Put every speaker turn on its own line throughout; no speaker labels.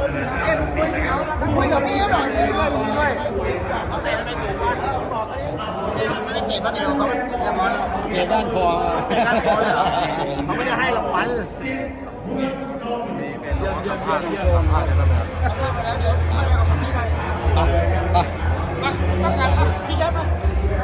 คุยกับพี่หน่อยด้วยเขาเตะไม่ถูกว่าเตะมันไม่เตะบ้านเดียวเขาเป็นเรียบร้อยแล้ว
เตะด้านคอ
เตะด้านคอเลยเหรอเขาไม่ได้ให้รางวัลต้องการพี่แชมป์มา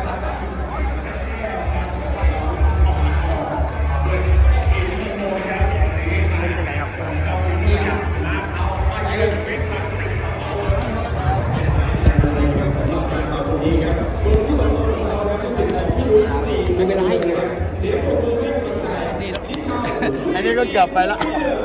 ไม่เป็นไรอันนี้ก็เกือบไปแล้ว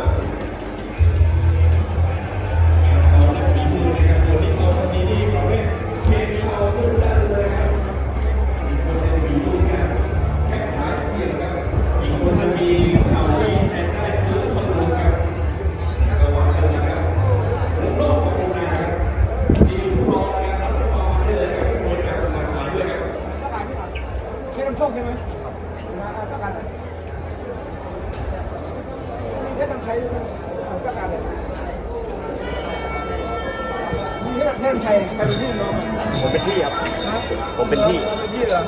ใช้น้ำส้มใช่ไหมต้องการอะไรมีแค่น้ำใช้ต้องการอะไรมีแค่น้ำใช้ใครเป็นพี่น้อง
ผมเป็นพี่ครับผมเป็นพี่
เป็นพี่เหรอ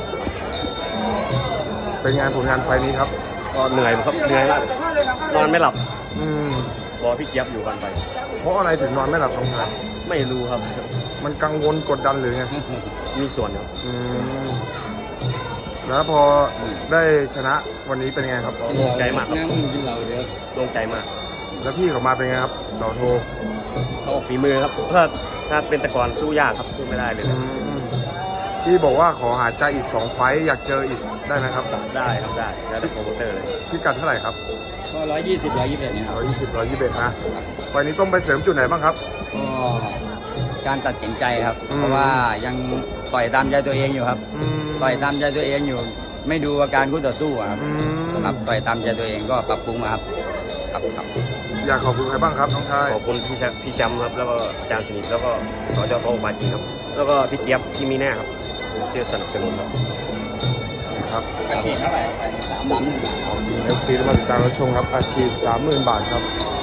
เป็นงานผลงานไฟนี้ครับ
ก็เหนื่อยครับเหนื่อยมากนอนไม่หลับ
อืม
รอพี่เจี๊ยบอยู่กันไป
เพราะอะไรถึงนอนไม่หลับน้องชาย
ไม่รู้ครับ
มันกังวลกดดันหรือไง
มีส่วนครับ
อืมแล้วพอได้ชนะวันนี้เป็นไงครับ
โล่งใจมากครับ
น้ำมึงกินเหล้าเดี๋ยว
โล่งใจมาก
แล้วพี่เขามาเป็นไงครับเสาโท
ก็ฝีมือครับถ้าเป็นตะกอนสู้ยากครับสู้ไม่ได้เลย
อืมพี่บอกว่าขอหาใจอีก2 ไฟต์อยากเจออีกได้ไหมครับ
ได้ครับได้แล้วแต่โปรโมเตอร์เลย
พี่กัดเท่าไหร่ครับ
ก็120 121เนี่ยครับ
120 121นะไฟล์นี้ต้องไปเสริมจุดไหนบ้างครับ
ก็การตัดสินใจครับ
อืม
เพราะว่ายังต่อยตามใจตัวเองอยู่ครับ
อืม
ต่อยตามใจตัวเองอยู่ ไม่ดูอาการคู่ต่อสู้อะครับ
อืม
ครับต่อยตามใจตัวเองก็ปรับปรุงอะครับครับ
อยากขอบคุณใครบ้างครับน้องชาย
ขอบคุณพี่แชมป์ครับแล้วก็อาจารย์สนิทแล้วก็สจโตปาจีครับแล้วก็พี่เจี๊ยบที่มีแน่ครับที่สนับสนุนครับ
ครับ
อาชีพเท่าไหร่3 1 บาท
FC มาติดตามรับชมครับอาชีพ 30,000 บาทครับ